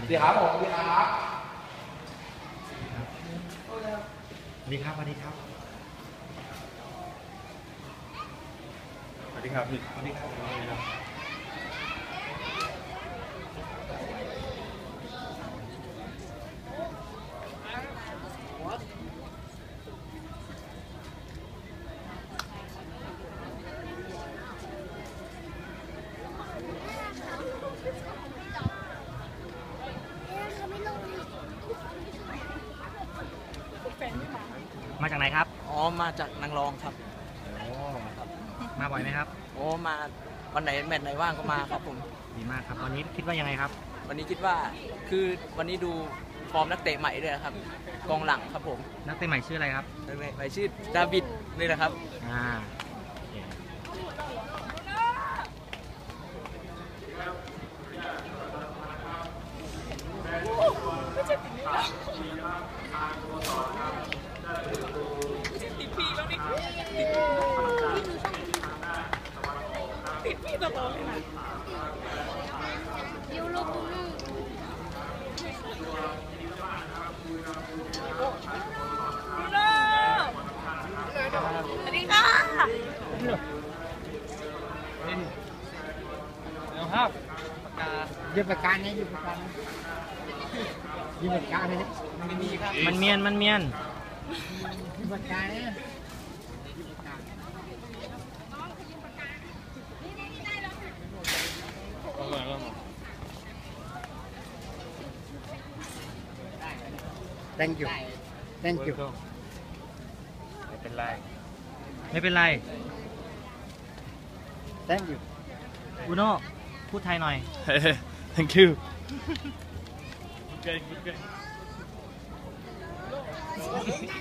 ดีครับผมดีครับดีครับสวัสดีครับสวัสดีครับพี่สวัสดีครับมาจากไหนครับอ๋อมาจากนางรองครับโอ้มาบ่อยไหมครับโอ้มาวันไหนแมตช์ไหนว่างก็มาครับผมดีมากครับวันนี้คิดว่ายังไงครับวันนี้คิดว่าคือวันนี้ดูฟอร์มนักเตะใหม่ด้วยครับกองหลังครับผมนักเตะใหม่ชื่ออะไรครับใหม่ชื่อดาวิดนี่แหละครับติดพี่แล้วนี่ติดพี่ตลอดเลยนะยูโรบูลูยูโรสวัสดีค่ะเอาครับยืมปากกาเนี่ยยืมปากกายืมปากกาเลยไม่มีครับมันเมียนยืมปากกาเนี่ยthank you ไม่เป็นไร thank you อุโน่พูดไทยหน่อย thank you Okay.